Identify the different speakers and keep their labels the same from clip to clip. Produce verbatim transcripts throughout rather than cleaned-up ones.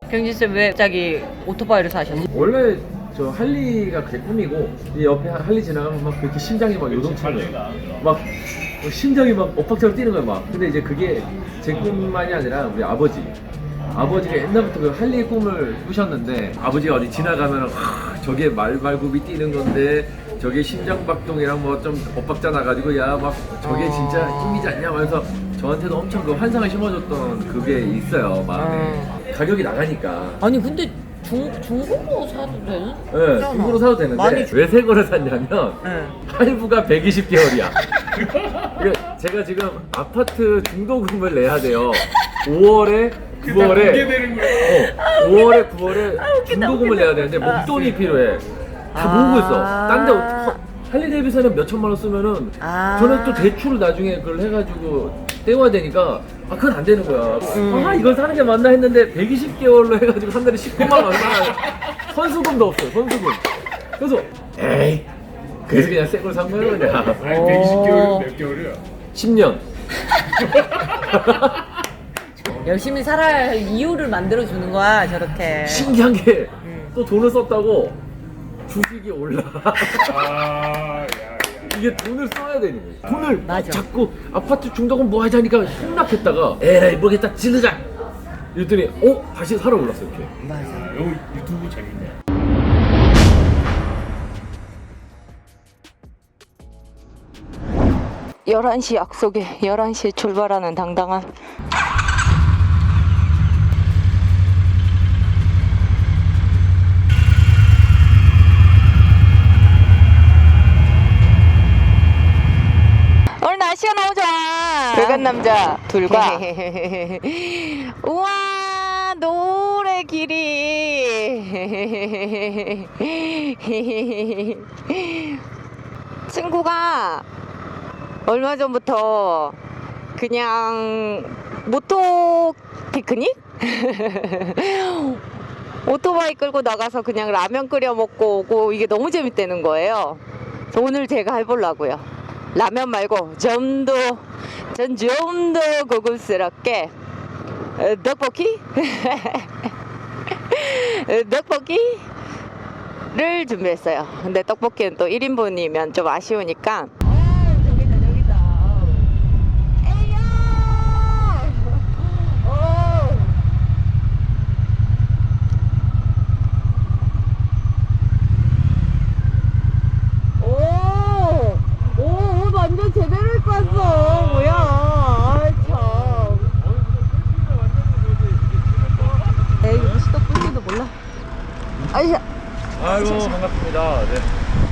Speaker 1: 경진쌤 왜 갑자기 오토바이를 사셨어요?
Speaker 2: 원래 저 할리가 그게 꿈이고 이 옆에 할리 지나가면 막 그렇게 심장이 막 요동치는 거예요. 막 심장이 막 엇박자로 뛰는 거예요 막. 근데 이제 그게 제 꿈만이 아니라 우리 아버지 아버지가 옛날부터 그 할리 꿈을 꾸셨는데 아버지가 어디 지나가면 하, 저게 말발굽이 뛰는 건데 저게 심장박동이랑 뭐 좀 엇박자 나가지고 야 막 저게
Speaker 1: 어...
Speaker 2: 진짜 힘이지 않냐 하면서 저한테도 엄청 그 환상을 심어줬던 그게 있어요 마음에.
Speaker 1: 어...
Speaker 2: 가격이 나가니까.
Speaker 1: 아니 근데 중, 중고로 사도 되는?
Speaker 2: 네, 중고로 사도 되는데
Speaker 1: 많이...
Speaker 2: 왜 새 거를 샀냐면
Speaker 1: 네.
Speaker 2: 할부가 백이십 개월이야. 제가 지금 아파트 중도금을 내야 돼요. 오월에 구월에 어, 오월에 구월에 중도금을 내야 되는데 목돈이 필요해. 다 모으고 있어. 딴 데 할리데이비슨은 몇 천만 원 쓰면은
Speaker 1: 아
Speaker 2: 저는 또 대출을 나중에 그걸 해가지고 떼와야 되니까 아 그건 안 되는 거야.
Speaker 1: 음.
Speaker 2: 아 이걸 사는 게 맞나 했는데 백이십 개월로 해가지고 한 달에 십구만 원 얼마나 선수금도 없어요. 선수금. 그래서 에이 그래서 그냥 새 걸 산 거야 그냥.
Speaker 3: 아니 백이십 개월은 몇 개월이야?
Speaker 2: 십 년.
Speaker 1: 열심히 살아야 할 이유를 만들어 주는 거야 저렇게.
Speaker 2: 신기한 게 또
Speaker 1: 음.
Speaker 2: 돈을 썼다고 주식이 올라.
Speaker 3: 아, 야, 야.
Speaker 2: 이게 돈을 써야 되는 거야. 돈을
Speaker 1: 맞아.
Speaker 2: 자꾸 아파트 중도금 뭐 하자니까 폭락했다가 에이 모르겠다 지르자. 이랬더니 어 다시 살아 올랐어 이렇게.
Speaker 1: 맞아.
Speaker 3: 아, 이거 유튜브 재밌네.
Speaker 1: 열한 시 약속에 열한 시에 출발하는 당당한. 오늘 날씨가 너무 좋아. 붉은 남자 둘과 우와 노래 길이. 친구가 얼마 전부터 그냥 모토 피크닉? 오토바이 끌고 나가서 그냥 라면 끓여 먹고 오고 이게 너무 재밌다는 거예요. 그래서 오늘 제가 해보려고요. 라면 말고 좀 더, 전 좀 더 고급스럽게 어, 떡볶이? 떡볶이를 준비했어요. 근데 떡볶이는 또 일 인분이면 좀 아쉬우니까 완전 제대로 입고 왔어. 뭐야. 아이 참. 에이 시떡분지도 몰라. 아이샤.
Speaker 2: 아이고 반갑습니다. 네.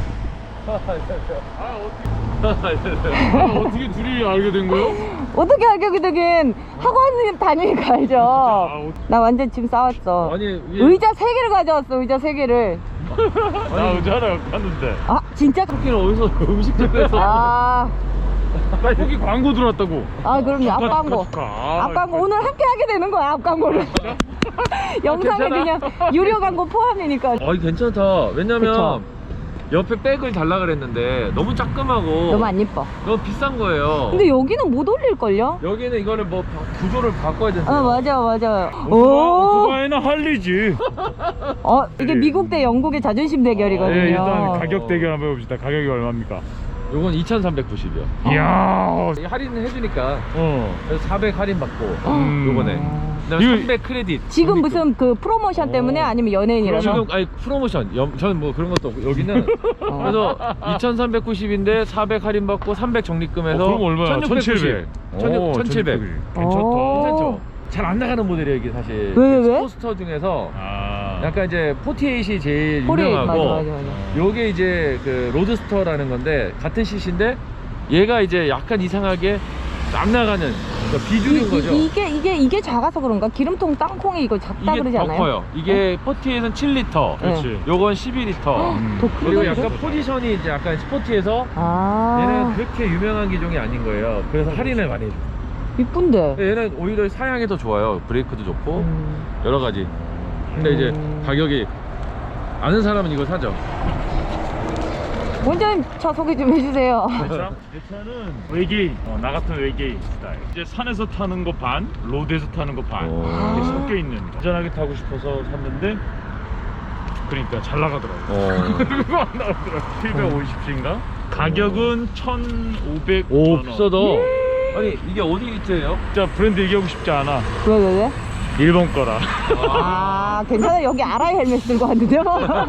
Speaker 3: 아, 어떻게, 아, 어떻게 둘이 알게 된 거예요?
Speaker 1: 어떻게 알게 되긴 학원 다니니까 알죠.
Speaker 3: 아, 어-
Speaker 1: 나 완전 지금 싸웠어.
Speaker 2: 아니 위에-
Speaker 1: 의자 세 개를 가져왔어. 의자 세 개를.
Speaker 3: 나 언제 하나 갔는데.
Speaker 1: 아 진짜?
Speaker 2: 떡볶이는 어디서 음식점에서?
Speaker 1: 아,
Speaker 3: 거기 광고 들어왔다고.
Speaker 1: 아 그럼요. 앞
Speaker 3: 축하,
Speaker 1: 광고.
Speaker 3: 축하, 축하.
Speaker 1: 앞 광고 오늘 함께 하게 되는 거야. 앞 광고를. 영상에
Speaker 2: 괜찮아?
Speaker 1: 그냥 유료 광고 포함이니까.
Speaker 2: 아 괜찮다. 왜냐면
Speaker 1: 그쵸.
Speaker 2: 옆에 백을 달라 그랬는데 너무 작끔하고
Speaker 1: 너무 안 예뻐.
Speaker 2: 너무 비싼 거예요.
Speaker 1: 근데 여기는 못 올릴걸요?
Speaker 2: 여기는 이거를 뭐 바- 구조를 바꿔야 된다.
Speaker 1: 아 맞아 맞아.
Speaker 3: 오토바,
Speaker 1: 오.
Speaker 3: 오토바이는 할리지.
Speaker 1: 어 이게 미국 대 영국의 자존심 대결이거든요.
Speaker 3: 네, 일단 가격 대결 한번 해봅시다. 가격이 얼마입니까?
Speaker 2: 요건 이천삼백구십이요.
Speaker 3: 이야.
Speaker 2: 할인을 해주니까
Speaker 3: 어.
Speaker 2: 그래서 사백 할인 받고
Speaker 3: 음.
Speaker 2: 요번에 그다음에
Speaker 3: 이거-
Speaker 2: 삼백 크레딧.
Speaker 1: 지금 무슨 그 프로모션 때문에
Speaker 3: 어.
Speaker 1: 아니면 연예인이라서?
Speaker 2: 지금 아니 프로모션 염, 저는 뭐 그런 것도 없고 여기는
Speaker 1: 어.
Speaker 2: 그래서 이천삼백구십인데 사백 할인 받고 삼백 적립금해서
Speaker 3: 어, 그럼 얼마야?
Speaker 2: 천육백구십.
Speaker 3: 오,
Speaker 2: 천칠백.
Speaker 3: 괜찮다.
Speaker 1: 오.
Speaker 2: 괜찮죠? 잘 안 나가는 모델이에요 이게 사실.
Speaker 1: 왜, 왜?
Speaker 2: 포스터 중에서
Speaker 3: 아.
Speaker 2: 약간 이제 포티에잇이 제일
Speaker 1: 포레이,
Speaker 2: 유명하고
Speaker 1: 맞아, 맞아, 맞아.
Speaker 2: 요게 이제 그 로드스터라는 건데 같은 씨씨인데 얘가 이제 약간 이상하게 안 나가는 그러니까 비주류인
Speaker 1: 이,
Speaker 2: 거죠.
Speaker 1: 이, 이게 이게 이게 작아서 그런가? 기름통 땅콩이 이거 작다
Speaker 2: 이게
Speaker 1: 그러지
Speaker 2: 더
Speaker 1: 않아요?
Speaker 2: 커요. 이게 포티에잇은 칠 리터,
Speaker 3: 그렇지.
Speaker 2: 요건 십이 리터.
Speaker 3: 음.
Speaker 1: 더
Speaker 2: 그리고
Speaker 1: 큰데?
Speaker 2: 약간 포지션이 이제 약간 스포티해서
Speaker 1: 아
Speaker 2: 얘는 그렇게 유명한 기종이 아닌 거예요. 그래서 할인을 많이 해줘.
Speaker 1: 이쁜데.
Speaker 2: 얘는 오히려 사양이 더 좋아요. 브레이크도 좋고
Speaker 1: 음.
Speaker 2: 여러 가지. 근데 이제
Speaker 1: 음.
Speaker 2: 가격이 아는 사람은 이걸 사죠.
Speaker 1: 원장님 차 소개 좀 해주세요.
Speaker 3: 내 차? 내 차는 외계인, 어, 나 같은 외계인 스타일. 이제 산에서 타는 거 반, 로드에서 타는 거 반.
Speaker 2: 오.
Speaker 3: 이렇게 섞여 있는. 안전하게 타고 싶어서 샀는데, 그러니까 잘 나가더라고.
Speaker 2: 어.
Speaker 3: 그거 안 나오더라고. 칠백오십 시인가? 가격은 천오백
Speaker 2: 오
Speaker 3: 원.
Speaker 2: 비싸다. 아니 이게 어디 있대요?
Speaker 3: 진짜 브랜드 얘기하고 싶지 않아.
Speaker 1: 왜 왜 왜?
Speaker 3: 일본 거라.
Speaker 1: 아 괜찮아. 여기 아라이 헬멧 들고 왔는데요.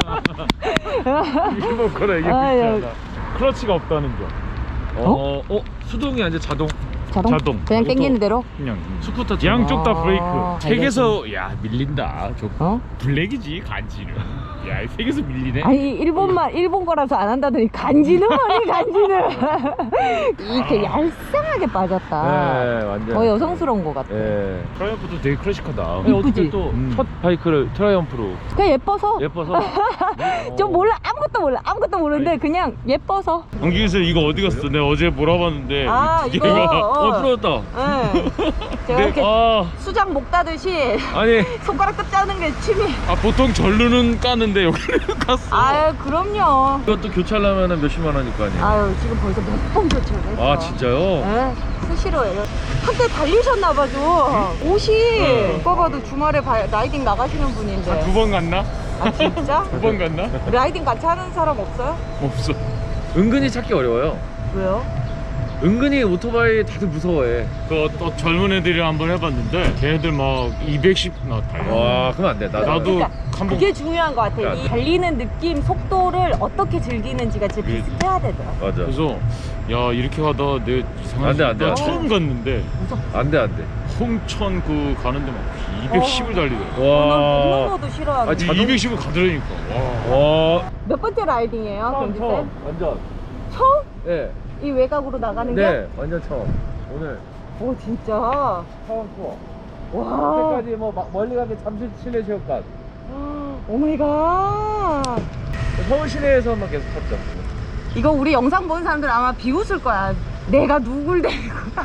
Speaker 3: 일본 거라 얘기하고
Speaker 1: 아,
Speaker 3: 싶지
Speaker 1: 야.
Speaker 3: 않아. 클러치가 없다는 점.
Speaker 2: 어? 어? 수동이 아니라 자동?
Speaker 1: 자동?
Speaker 3: 자동.
Speaker 1: 그냥 땡기는 대로?
Speaker 3: 그냥
Speaker 2: 스쿠터
Speaker 3: 양쪽 다
Speaker 1: 아,
Speaker 3: 브레이크.
Speaker 1: 잘
Speaker 3: 색에서 야 밀린다. 저
Speaker 1: 어?
Speaker 3: 블랙이지 간지는. 야 색에서 밀리네.
Speaker 1: 아니 일본말 일본 거라서 안 한다더니 간지는 뭐니 간지는. 이렇게 얄쌍하게 빠졌다.
Speaker 2: 네 완전
Speaker 1: 더 여성스러운 것 같아.
Speaker 2: 예.
Speaker 3: 트라이언프도 되게 클래식하다.
Speaker 2: 아니, 어떻게
Speaker 1: 이쁘지?
Speaker 2: 또
Speaker 3: 음.
Speaker 2: 첫 바이크를 트라이언프로
Speaker 1: 그냥 예뻐서.
Speaker 2: 예뻐서
Speaker 1: 좀 몰라 아무것도 몰라 아무것도 모르는데 그냥 예뻐서.
Speaker 3: 안기에서 이거 어디 갔어? 내가 어제 몰아봤는데.
Speaker 1: 아 이거
Speaker 3: 얘가
Speaker 2: 어
Speaker 1: 어,
Speaker 2: 풀어졌다.
Speaker 1: 네. 제가 이렇게
Speaker 3: 아,
Speaker 1: 수장 목 따듯이
Speaker 2: 아니
Speaker 1: 손가락 끝 짜는 게 취미.
Speaker 3: 아 보통 전루는 까는데 여기는 갔어.
Speaker 1: 아유 그럼요.
Speaker 2: 이것도 교체하려면 몇십만 원일 거 아니에요?
Speaker 1: 아유 지금 벌써 몇 번 교체를 했어.
Speaker 2: 아 진짜요?
Speaker 1: 네, 수시로예요. 한때 달리셨나봐도 옷이 오빠 봐도 주말에 바- 라이딩 나가시는 분인데.
Speaker 3: 두 번 갔나?
Speaker 1: 아 진짜?
Speaker 3: 두 번 갔나?
Speaker 1: 라이딩 같이 하는 사람 없어요?
Speaker 3: 없어.
Speaker 2: 은근히 찾기 어려워요.
Speaker 1: 왜요?
Speaker 2: 은근히 오토바이 다들 무서워해.
Speaker 3: 그 또 젊은 애들이랑 한번 해봤는데 걔네들 막 이백십 나 달려.
Speaker 2: 와 그럼 안 돼. 나도.
Speaker 3: 나도
Speaker 1: 그러니까
Speaker 3: 한번
Speaker 1: 그게 중요한 것 같아.
Speaker 2: 그러니까.
Speaker 1: 이 달리는 느낌, 속도를 어떻게 즐기는지가 진짜
Speaker 3: 그게-
Speaker 1: 비슷해야 되더라.
Speaker 2: 맞아.
Speaker 3: 그래서 야 이렇게 가다 내 이상한
Speaker 2: 안 돼, 안 돼,
Speaker 3: 나
Speaker 2: 안 돼.
Speaker 3: 처음 갔는데
Speaker 2: 안 돼 안 돼.
Speaker 3: 홍천 그 가는데 막 이백십을 달리더라고.
Speaker 1: 어, 난
Speaker 2: 와.
Speaker 1: 걷는 것도 싫어하는데.
Speaker 2: 아, 자동-
Speaker 3: 이백십을 가더라니까. 와.
Speaker 2: 와.
Speaker 1: 몇 번째 라이딩이에요, 경기 쌤?
Speaker 2: 완전.
Speaker 1: 처음?
Speaker 2: 네.
Speaker 1: 이 외곽으로 나가는 게?
Speaker 2: 네 완전 처음. 오늘
Speaker 1: 오 진짜.
Speaker 2: 처음 투어.
Speaker 1: 와.
Speaker 2: 그때까지 뭐 막 멀리 가게 잠실 실내 체육관.
Speaker 1: 오 마이 갓.
Speaker 2: 서울 시내에서만 계속 탔죠.
Speaker 1: 이거 우리 영상 보는 사람들 아마 비웃을 거야. 내가 누굴 데리고 가.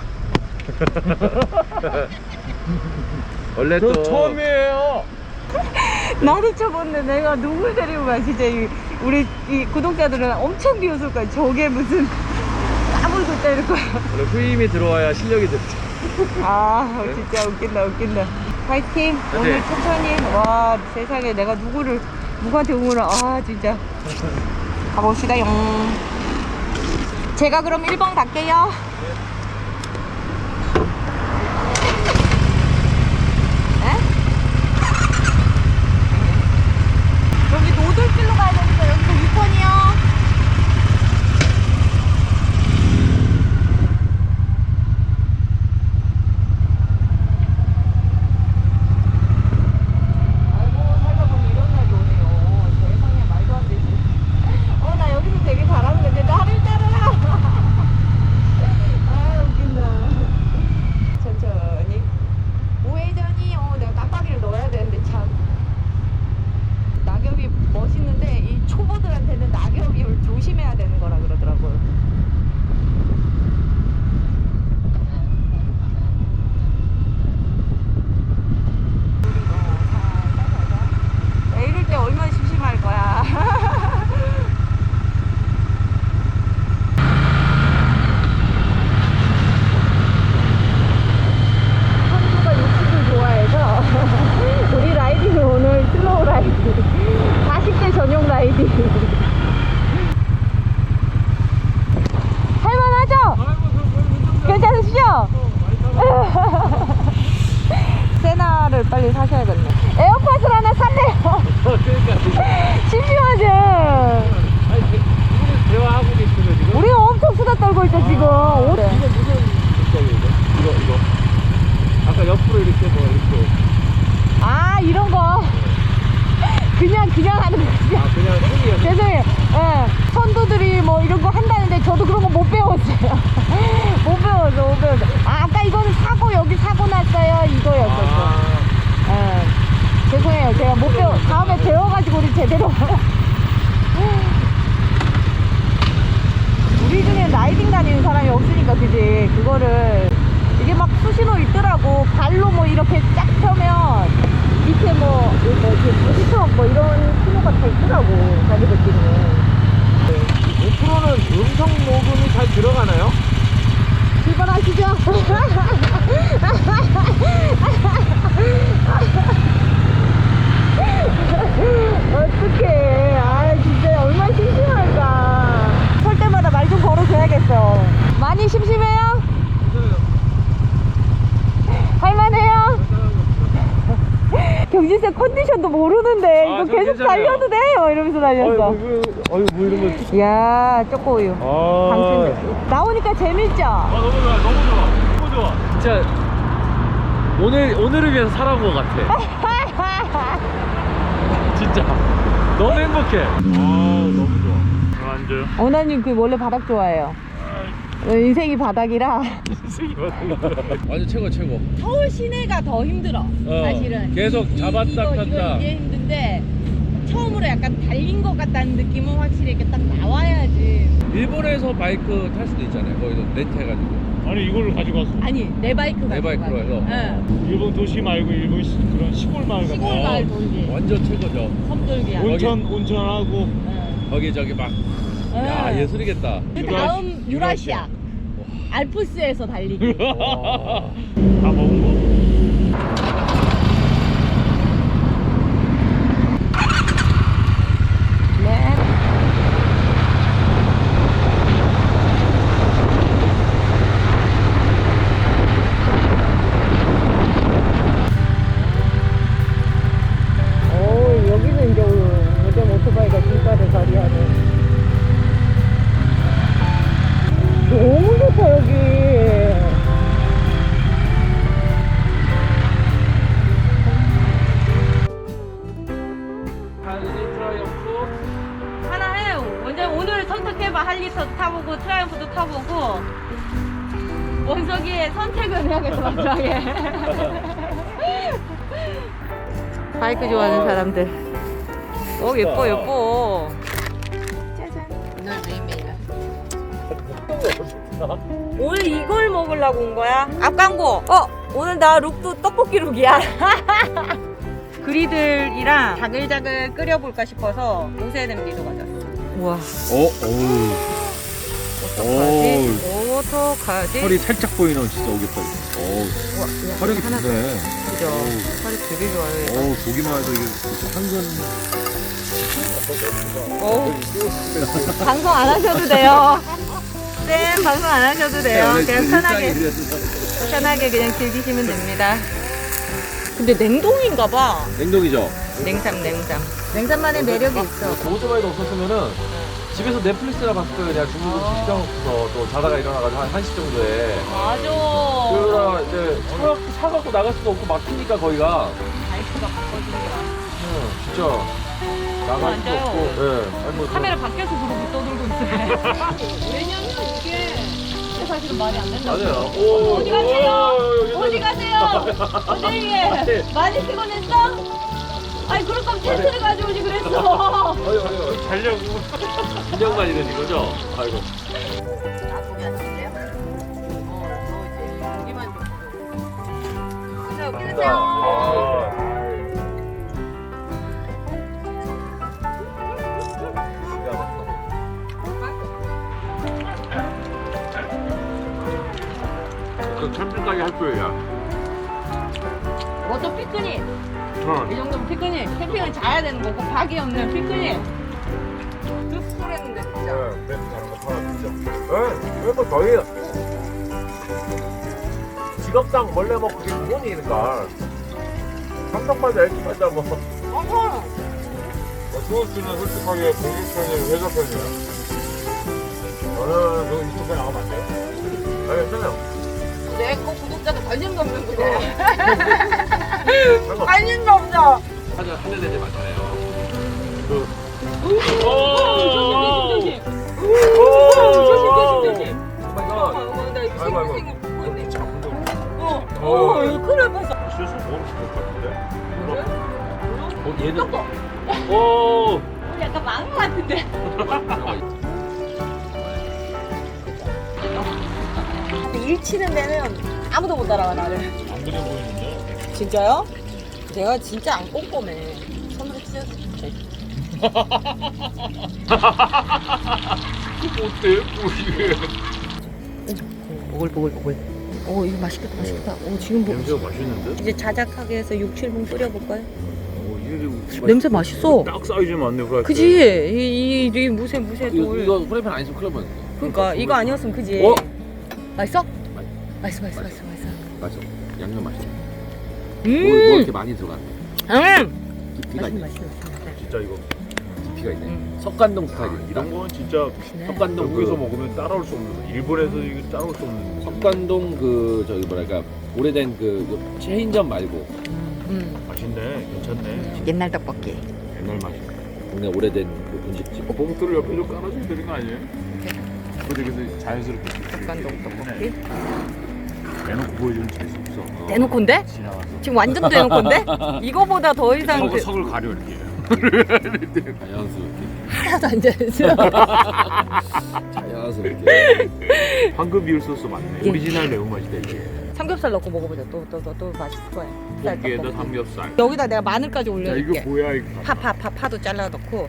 Speaker 2: 원래
Speaker 3: 저
Speaker 2: 또
Speaker 3: 처음이에요.
Speaker 1: 나도 쳐봤는데 내가 누굴 데리고 가. 진짜 이, 우리 이 구독자들은 엄청 비웃을 거야. 저게 무슨 까불고 때릴 거야.
Speaker 2: 원래 후임이 들어와야 실력이 들지.
Speaker 1: 아 진짜 웃긴다 웃긴다. 파이팅. 오늘
Speaker 2: 네.
Speaker 1: 천천히. 와 세상에 내가 누구를 누구한테 응원을. 아 진짜. 가봅시다용. 제가 그럼 일 번 갈게요. 에? 여기 노들길로 가야 되니까 여기서 육 번이요. 아이고 살다 보니 이런 날도 오네요. 세상에 말도 안 되지. 어 나 여기서 되게 잘하는 건데 나를 따라라. 아 웃긴다. 천천히. 우회전이 어 내가 깜빡이를 넣어야 되는데 참. 낙엽이 멋있는데 이 초보들한테는 낙엽이 조심해야 되는 거라 그러더라고요. 야, 이럴 때 얼마나 심심할 거야. 선수가 육십을 좋아해서 우리 라이딩은 오늘 슬로우 라이딩, 사십 대 전용 라이딩. 할만하죠? 괜찮으시죠? 세나를 빨리 사셔야겠네. 에어팟을 하나 샀네요.
Speaker 2: 그러니까
Speaker 1: 심심하지?
Speaker 2: 아니 지금 대화하고 계시는 지금.
Speaker 1: 우리가 엄청 수다 떨고 있죠 지금. 오-
Speaker 2: 이거 무슨 색깔이에요? 이거 이거. 아까 옆으로 이렇게 뭐 이렇게.
Speaker 1: 아 이런 거 그냥 그냥 하는 거지.
Speaker 2: 아 그냥 손이야.
Speaker 1: 죄송해요. 예. 선두들이 뭐 이런 거 한다는데 저도 그런 거 못 배웠어요. 못 배웠어, 못 배웠어. 아, 아까 이거는 사고 여기 사고 났어요 이거였었어. 예. 죄송해요. 제가 못 배워. 다음에 배워가지고 우리 제대로. 우리 중에 라이딩 다니는 사람이 없으니까 그지. 그거를 이게 막 수신호 있더라고. 발로 뭐 이렇게 쫙 펴면 밑에 뭐 뭐지 부시트럭 뭐 이런 신호가 다 있더라고 자기들끼리는.
Speaker 2: 못 앞으로는 음성 녹음이 잘 들어가나요?
Speaker 1: 출발하시죠. 어떡해. 아, 진짜 얼마나 심심할까. 설 때마다 말 좀 걸어줘야겠어. 많이 심심해요? 할만해요? 경진쌤 컨디션도 모르는데
Speaker 2: 아,
Speaker 1: 이거
Speaker 2: 저
Speaker 1: 계속
Speaker 2: 괜찮아요.
Speaker 1: 달려도 돼? 어, 이러면서 달렸어.
Speaker 2: 어이 뭐 이런 거.
Speaker 1: 이야, 초코우유.
Speaker 2: 아.
Speaker 1: 당근. 나오니까 재밌죠?
Speaker 3: 아 너무 좋아 너무 좋아 너무 좋아.
Speaker 2: 진짜 오늘 오늘을 위해서 살아온 것 같아. 진짜 너무 행복해.
Speaker 3: 아 너무 좋아. 저 앉아요.
Speaker 1: 어나님 그 원래 바닥 좋아해요. 어, 인생이 바닥이라.
Speaker 2: 완전 최고 최고.
Speaker 4: 서울 시내가 더 힘들어.
Speaker 2: 어,
Speaker 4: 사실은
Speaker 2: 계속
Speaker 4: 이-
Speaker 2: 잡았다
Speaker 4: 이거,
Speaker 2: 폈다.
Speaker 4: 이거 이게 힘든데 처음으로 약간 달린 것 같다는 느낌은 확실히 이렇게 딱 나와야지.
Speaker 2: 일본에서 바이크 탈 수도 있잖아요. 거기서 렌트해가지고.
Speaker 3: 아니 이걸 가지고 왔어.
Speaker 4: 아니 내 바이크가
Speaker 2: 내 바이크로 해서?
Speaker 4: 응.
Speaker 3: 일본 도시 말고 일본 시, 그런 시골 마을 같은
Speaker 4: 시골
Speaker 3: 거.
Speaker 4: 마을 돌기
Speaker 2: 완전 최고죠.
Speaker 4: 섬돌기야.
Speaker 3: 온천 온천하고
Speaker 4: 응.
Speaker 2: 거기 저기 막.
Speaker 4: 응.
Speaker 2: 야 예술이겠다.
Speaker 4: 그
Speaker 3: 유라시아.
Speaker 4: 다음 유라시아. 알프스에서 달리기.
Speaker 2: 와.
Speaker 3: 다 먹은 거.
Speaker 1: 네. 오, 여기는 이제 요즘 오토바이가 길가를 가리하는. 너무 좋다, 여기.
Speaker 2: 할리 트라이언프.
Speaker 4: 하나 해. 먼저 오늘 선택해봐. 할리도 타보고 트라이언프도 타보고. 원석이의 선택은 해야겠어 마지막에.
Speaker 1: 바이크 좋아하는 사람들. 오, 예뻐, 예뻐.
Speaker 4: 오늘 매일매일. 오늘 이걸 먹으려고 온 거야? 앞광고. 어, 오늘 나 룩도 떡볶이 룩이야. 그리들이랑 자글자글 끓여볼까 싶어서 옷에 냄비도 가졌어.
Speaker 1: 우와,
Speaker 2: 어, 어우.
Speaker 1: 어떡하지? 어떡하지?
Speaker 2: 털이 살짝 보이는 진짜 오겹살. 어우.
Speaker 1: 우와, 그냥
Speaker 2: 털이
Speaker 1: 하나 더.
Speaker 2: 깊네.
Speaker 1: 그죠? 털이 되게 좋아요.
Speaker 2: 어우, 보기만 해도 이게 진짜 한근.
Speaker 1: 어우, 방송 안 하셔도 돼요. 쌤, 방송 안 하셔도 돼요. 그냥 편하게, 편하게 그냥 즐기시면 됩니다. 근데 냉동인가 봐.
Speaker 2: 냉동이죠?
Speaker 1: 냉삼, 냉삼. 냉삼만의 매력이 있어.
Speaker 2: 오토바이도 없었으면은 집에서 넷플릭스나 봤을 거예요. 내가 중국에 직장 없어서 또 자다가 일어나가지고 한 한 시 정도에.
Speaker 4: 맞아.
Speaker 2: 그러다 이제 차, 차 갖고 나갈 수도 없고 막히니까 거기가.
Speaker 4: 바이크가 바꿔준 거야.
Speaker 2: 응, 진짜. 나갈 수도
Speaker 4: 맞아요.
Speaker 2: 없고. 예. 아니, 뭐
Speaker 4: 카메라 밖에서 그러고 떠들고 있어요. 왜냐면 이게 사실은 말이 안 된다고.
Speaker 2: 맞아요. 오,
Speaker 4: 어디 가세요?
Speaker 2: 오,
Speaker 4: 어디 가세요? 어디 많이 쓰고 냈어? 아니 그럴 거면 텐트를 가져오지 그랬어.
Speaker 2: 아유, 아유.
Speaker 3: 자려고.
Speaker 2: 긴장만 이러는 거죠? 아이고.
Speaker 4: 나쁘게 안 쓸래요? 어, 너 이제 여기만 좀. 자, 여기 계세요.
Speaker 2: 아. 그 캠핑 가게 할 거야.
Speaker 4: 뭐또 피크닉?
Speaker 2: 어.
Speaker 4: 이 정도면 피크닉. 캠핑은 자야 되는 거고 박이 없는 피크닉. 습술했는데 진짜.
Speaker 2: 네, 다른 거 팔아 진짜. 네, 그래도 저희 직업상 원래 뭐 그게 기본이니까 삼성마다 엘지마다 뭐.
Speaker 4: 어허.
Speaker 5: 수호 씨는 솔직하게 공유 편이에요, 회사 편이에요?
Speaker 2: 저는 그 이쪽 에 나가면 안 돼요? 아, 괜찮아요.
Speaker 4: 내거 구독자도 관심도 없는 거네.
Speaker 2: 상관.
Speaker 4: 관심도 없어.
Speaker 2: 하자 하는 애들 많잖아요. 그.
Speaker 4: 조심 조심 조심.
Speaker 2: 오 마이 갓.
Speaker 4: 나 이거
Speaker 2: 아이고, 아이고.
Speaker 4: 생긴 거 보이네.
Speaker 2: 자꾸.
Speaker 4: 어,
Speaker 2: 어.
Speaker 4: 어, 이거 큰일 날 뻔했어.
Speaker 3: 실수 모르실 것 같은데.
Speaker 2: 어, 얘는.
Speaker 4: 조금.
Speaker 2: 오.
Speaker 4: 우리 약간 망한 것 같은데. 일 치는 데는 아무도 못 따라와 나를.
Speaker 3: 안 그래 보이는데.
Speaker 4: 진짜요? 내가 진짜 안 꼼꼼해. 손으로 찢어줄게.
Speaker 5: 어때? 뭐 이게.
Speaker 1: 오글오글오글. 오 이거 맛있겠다 맛있겠다. 오 지금 뭐
Speaker 3: 냄새가 맛있는데?
Speaker 1: 이제 자작하게 해서 육, 칠 분 끓여볼까요?
Speaker 3: 오, 이게
Speaker 1: 냄새 맛있어.
Speaker 3: 딱 사이즈 맞네 프라이팬.
Speaker 1: 그지? 이, 이, 이 무쇠 무쇠
Speaker 2: 이거,
Speaker 1: 돌.
Speaker 2: 이거 프라이팬 안 있으면 큰일 날 뻔했네.
Speaker 1: 그러니까 이거 아니었으면 그지?
Speaker 2: 어?
Speaker 1: 맛있어?
Speaker 2: 맛-
Speaker 1: 맛있어 맛있어 맛있어 맛있어.
Speaker 2: 맞아. 양념 맛있어.
Speaker 1: 음.
Speaker 2: 뭐, 뭐 이렇게 많이 들어갔네.
Speaker 1: 음.
Speaker 2: 깊이가
Speaker 1: 맛있네
Speaker 2: 있네.
Speaker 1: 맛있네 맛있네.
Speaker 3: 진짜 이거
Speaker 2: 깊이가 있네.
Speaker 1: 음.
Speaker 2: 석관동
Speaker 3: 아,
Speaker 2: 스타일이다.
Speaker 3: 이런 건 진짜
Speaker 1: 맛있네.
Speaker 2: 석관동
Speaker 3: 여기서
Speaker 2: 그,
Speaker 3: 먹으면 따라올 수 없는 거. 일본에서 이거 따라올 수 없는 거.
Speaker 2: 석관동 그 저기 뭐랄까 오래된 그 체인점 말고
Speaker 1: 음.
Speaker 3: 맛있네. 괜찮네.
Speaker 1: 옛날 떡볶이.
Speaker 3: 옛날 맛이.
Speaker 2: 동네 오래된 그 분식집.
Speaker 3: 봉투를 옆에 좀 깔아줘야 되는 거 아니에요? 근데 그래서 자연스럽게
Speaker 1: 석관동 떡볶이.
Speaker 3: 대놓고 보여주면 재수 없어.
Speaker 1: 대놓고인데?
Speaker 3: 지나가서
Speaker 1: 지금 완전 대놓고인데? 이거보다 더 이상
Speaker 3: 석을,
Speaker 1: 그-
Speaker 3: 석을 가려 이렇게.
Speaker 2: 자연스럽게.
Speaker 1: 하나도 안 되죠.
Speaker 2: 자연스럽게.
Speaker 3: 황금 비율 소스 맞네.
Speaker 1: 예.
Speaker 3: 오리지널 매운맛이다 이게.
Speaker 1: 삼겹살 넣고 먹어보자. 또 또 또 또 맛있을 거야. 쌀
Speaker 3: 고기에다
Speaker 1: 떡볶이.
Speaker 3: 삼겹살.
Speaker 1: 여기다 내가 마늘까지
Speaker 3: 야
Speaker 1: 올려줄게.
Speaker 3: 이거 뭐야 이거.
Speaker 1: 파 파 파 파도 잘라 넣고.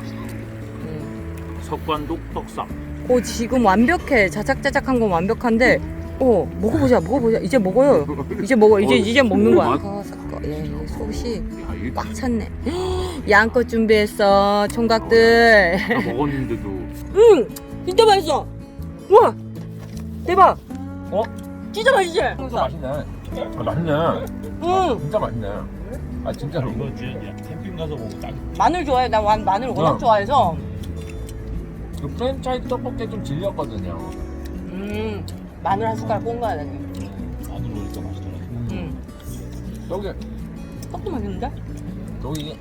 Speaker 1: 음.
Speaker 3: 석관동 떡쌈.
Speaker 1: 오 지금 완벽해. 자작자작한 건 완벽한데. 오 먹어보자 먹어보자. 이제 먹어요. 이제 먹어. 이제
Speaker 3: 어,
Speaker 1: 이제 먹는 거야.
Speaker 3: 맛-
Speaker 1: 섞어 섞어. 예, 이 속이
Speaker 3: 야 이게
Speaker 1: 꽉 찼네. 양껏 준비했어 총각들.
Speaker 3: 다 먹었는데도.
Speaker 1: 응 진짜 맛있어. 우와 대박.
Speaker 2: 어?
Speaker 1: 진짜 맛있지?
Speaker 2: 진짜 맛있네. 아, 맛있네.
Speaker 1: 응
Speaker 2: 진짜 맛있네. 아 진짜로.
Speaker 3: 이거 진짜 캠핑 가서 먹으면 딱.
Speaker 1: 마늘 좋아해. 나 완- 마늘 워낙
Speaker 2: 어.
Speaker 1: 좋아해서.
Speaker 2: 그 프랜차이즈 떡볶이 좀 질렸거든요.
Speaker 1: 음 마늘 한 숟가락 꼰 거야 나는.
Speaker 3: 마늘 넣으니까 맛있더라.
Speaker 1: 음
Speaker 2: 여기
Speaker 1: 떡도 맛있는데?
Speaker 2: 여기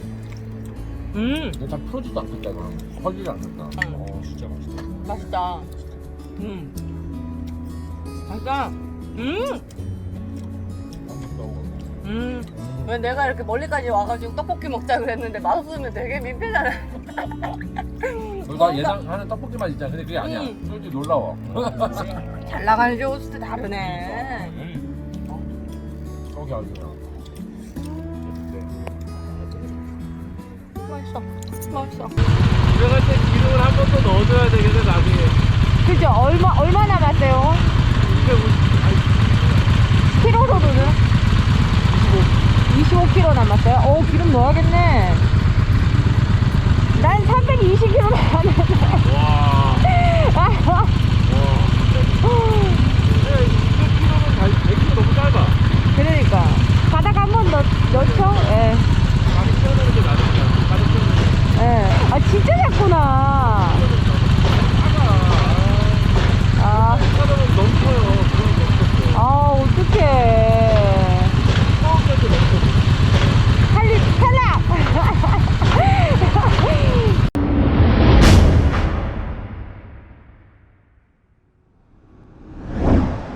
Speaker 1: 음
Speaker 2: 이거 다 풀어지도 않겠다 이거. 퍼지지 않겠다.
Speaker 1: 응.
Speaker 3: 어 진짜 맛있다.
Speaker 1: 맛있다. 음 맛있다. 음 음. 왜 내가 이렇게 멀리까지 와가지고 떡볶이 먹자 그랬는데 맛없으면 되게 민폐잖아.
Speaker 2: 나 예상하는 떡볶이 맛 있잖아. 근데 그게 아니야.
Speaker 1: 음.
Speaker 2: 솔직히 놀라워.
Speaker 1: 잘 나가는 쇼스트 다르네.
Speaker 2: 저기 아주 그냥.
Speaker 1: 맛있어. 맛있어.
Speaker 2: 들어갈 때 기름을 한 번 더 넣어줘야 되겠네 나중에.
Speaker 1: 그죠? 얼마, 얼마 남았어요? 키로로는? 이십오 킬로그램 남았어요? 오, 기름 넣어야겠네. 난 삼백이십 킬로그램 남았는데.
Speaker 3: 와.